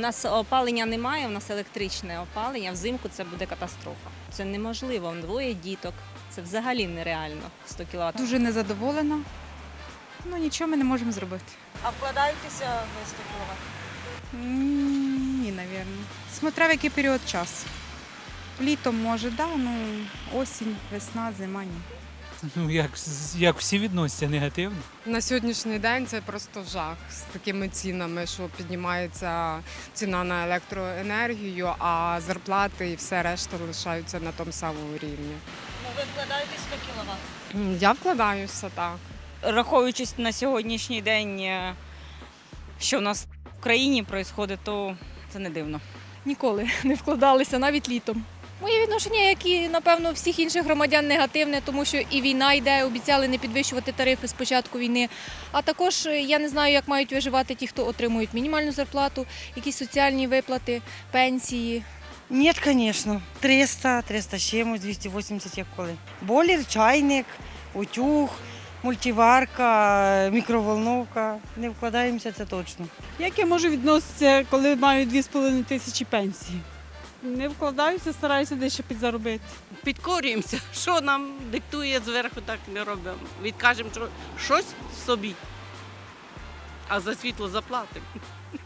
нас опалення немає, у нас електричне опалення, взимку це буде катастрофа. Це неможливо, двоє діток, це взагалі нереально, 100 кВт. Дуже незадоволена. Ну, нічого ми не можемо зробити. А вкладаєтеся ви 100 кВт? Ні, напевно. Смотря в який період часу. Літом може, да, ну осінь, весна, зима ні. Ну, як всі відносяться негативно. На сьогоднішній день це просто жах з такими цінами, що піднімається ціна на електроенергію, а зарплати і все решта лишаються на тому самому рівні. Ну, ви вкладаєтесь 100 кВт? Я вкладаюся, так. Раховуючись на сьогоднішній день, що в нас в країні відбувається, то це не дивно. Ніколи не вкладалися, навіть літом. Моє відношення, як і, напевно, всіх інших громадян, негативне, тому що і війна йде, обіцяли не підвищувати тарифи з початку війни. А також я не знаю, як мають виживати ті, хто отримують мінімальну зарплату, якісь соціальні виплати, пенсії. Нет, конечно. 300, 300 з чимось, 280 як коли. Бойлер, чайник, утюг, мультиварка, мікроволновка. Не вкладаємося, це точно. Як я можу відноситися, коли маю 2,5 тисячі пенсії? Не вкладаюся, стараюся дещо підзаробити. Підкорюємося, що нам диктує зверху, так не робимо. Відкажемо, що щось собі, а за світло заплатимо.